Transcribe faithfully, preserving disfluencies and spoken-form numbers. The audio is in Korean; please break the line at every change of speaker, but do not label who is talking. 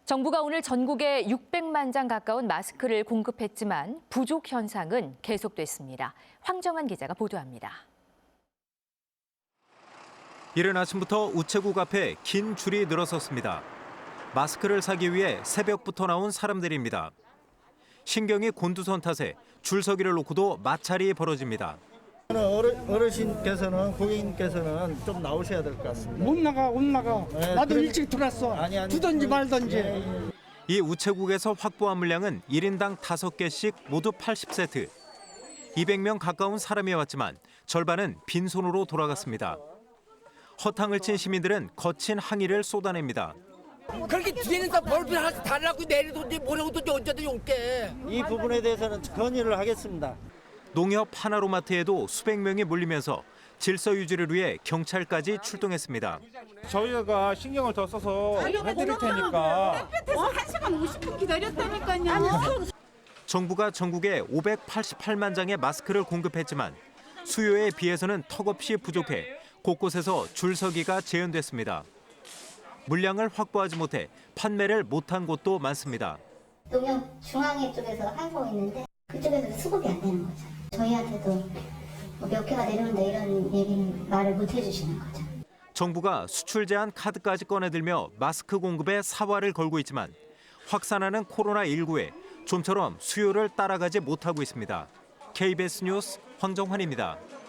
정부가 오늘 전국에 육백만 장 가까운 마스크를 공급했지만 부족 현상은 계속됐습니다. 황정한 기자가 보도합니다.
이른 아침부터 우체국 앞에 긴 줄이 늘어섰습니다. 마스크를 사기 위해 새벽부터 나온 사람들입니다. 신경이 곤두선 탓에 줄서기를 놓고도 마찰이 벌어집니다.
어르신께서는 고객님께서는 좀 나오셔야 될 것 같습니다.
못 나가 못 나가.
네,
나도
그래-
일찍 들어왔어.
아니, 아니,
두던지
그-
말던지.
예, 예.
이 우체국에서 확보한 물량은 일 인당 다섯 개씩 모두 팔십 세트. 이백 명 가까운 사람이 왔지만 절반은 빈손으로 돌아갔습니다. 허탕을 친 시민들은 거친 항의를 쏟아냅니다.
그렇게 뒤에는 뭘 하나씩 달라고 내리든지 뭐라고든지 언제든지 올게.
이 부분에 대해서는 건의를 하겠습니다.
농협 하나로마트에도 수백 명이 몰리면서 질서 유지를 위해 경찰까지 출동했습니다.
저희가 신경을 더 써서 해드릴 테니까.
한 시간 오십 분 기다렸다니까요.
정부가 전국에 오백팔십팔만 장의 마스크를 공급했지만 수요에 비해서는 턱없이 부족해 곳곳에서 줄서기가 재현됐습니다. 물량을 확보하지 못해 판매를 못한 곳도 많습니다.
농협 중앙회 쪽에서 하고 있는데 그쪽에서 수급이 안 되는 거죠. 저희한테도 몇 개가 내려온다 이런 얘기는 말을 못 해주시는 거죠.
정부가 수출 제한 카드까지 꺼내들며 마스크 공급에 사활을 걸고 있지만 확산하는 코로나십구에 좀처럼 수요를 따라가지 못하고 있습니다. 케이비에스 뉴스 황정환입니다.